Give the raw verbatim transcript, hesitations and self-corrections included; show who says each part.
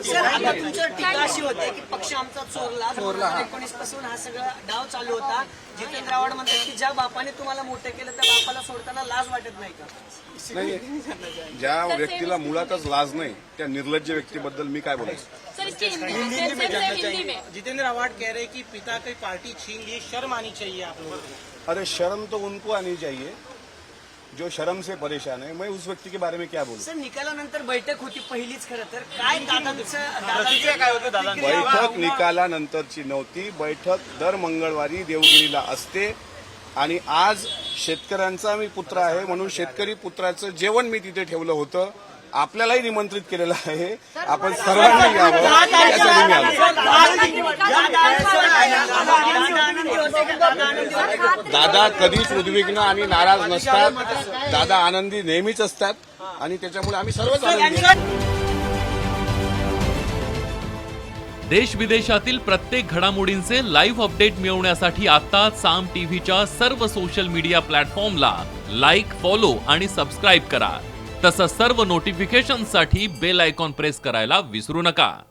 Speaker 1: Sir आता तुमच्यावर टीका अशी होते की पक्ष आमचा चोरला दोन हजार एकोणीस पासून हा सगळा डाव चालू होता. जितेंद्र आव्हाड म्हणतात की ज्या बापाने तुम्हाला मोठे केलं त्या बापाला सोडताना लाज वाटत नाही का?
Speaker 2: नाही, ज्या व्यक्तीला मुळातच लाज नाही त्या निर्लज्ज व्यक्तीबद्दल मी काय बोलायचं.
Speaker 3: सर इसकी हिंदी में जानना चाहिए।
Speaker 4: जितेंद्र आव्हाड कह रहे हैं कि पिता की पार्टी छीन ली, शर्म आनी चाहिए आप लोगों को।
Speaker 2: अरे शर्म तो उनको आनी चाहिए जो शर्म से परेशान है. मैं उस व्यक्ति के बारे में क्या बोलूं.
Speaker 1: सर निकालानंतर बैठक होती पहिलीच खरं तर काय दादांचं
Speaker 4: काय होतं दादा?
Speaker 2: बैठक निकालानंतरची नव्हती. बैठक दर मंगळवारी देवगिरीला असते आणि आज शेतकऱ्यांचा मी पुत्र आहे म्हणून शेतकरी पुत्राचं जेवण मी तिथे ठेवलं होतं. आपल्यालाही निमंत्रित केलेलं आहे. आपण सर्वांनी यावं यासाठी मी आलो. दादा कधीच उद्विग्न आणि नाराज नसतात. दादा आनंदी नेहमीच असतात आणि त्याच्यामुळे आम्ही सर्वच आनंदी आहोत.
Speaker 5: देश विदेशातील प्रत्येक घडामोडींचे लाईव्ह अपडेट मिळवण्यासाठी आता साम टीव्हीच्या सर्व सोशल मीडिया प्लॅटफॉर्मला लाईक, फॉलो आणि सबस्क्राईब करा. तसंच सर्व नोटिफिकेशनसाठी बेल आयकॉन प्रेस करायला विसरू नका.